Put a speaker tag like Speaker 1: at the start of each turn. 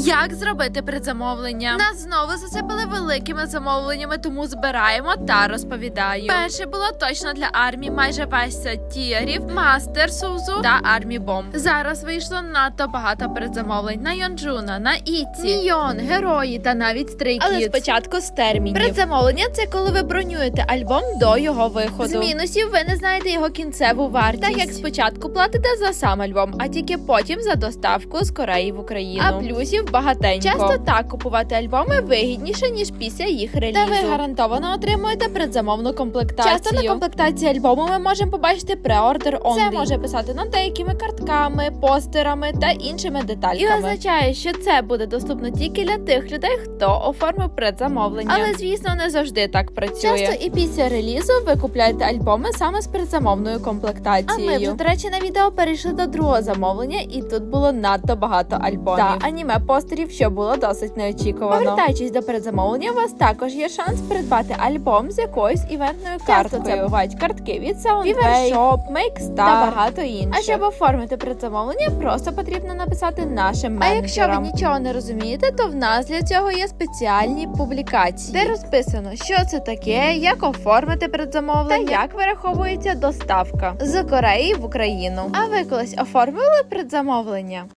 Speaker 1: Як зробити предзамовлення? Нас знову засипали великими замовленнями, тому збираємо та розповідаю. Перше було точно для армії, майже весь сет тіарів, мастер Сузу та армі бомб. Зараз вийшло надто багато предзамовлень на Йонджуна, на Іці, Мільйон, Герої та навіть Stray Kids. Але спочатку з термінів. Предзамовлення – це коли ви бронюєте альбом до його виходу. З мінусів ви не знаєте його кінцеву вартість. Так як спочатку платите за сам альбом, а тільки потім за доставку з Кореї в Україну. А плюсів багатенько. Часто так купувати альбоми вигідніше, ніж після їх релізу. Та ви гарантовано отримуєте предзамовну комплектацію. Часто на комплектації альбому ми можемо побачити преордер only. Це може писати над деякими картками, постерами та іншими детальками. І означає, що це буде доступно тільки для тих людей, хто оформив предзамовлення. Але, звісно, не завжди так працює. Часто і після релізу ви купляєте альбоми саме з предзамовною комплектацією. А ми вже, до речі, на відео перейшли до другого замовлення, і тут було надто багато альбомів. Та аніме-постерів, що було досить неочікувано. Повертаючись до передзамовлення, у вас також є шанс придбати альбом з якоюсь івентною карткою. Це бувають картки від Soundwave, Shop, Makestar та багато інших. А щоб оформити предзамовлення, просто потрібно написати нашим менеджерам. А якщо ви нічого не розумієте, то в нас для цього є спеціальні публікації, де розписано, що це таке, як оформити предзамовлення та як вираховується доставка з Кореї в Україну. А ви колись оформили предзамовлення?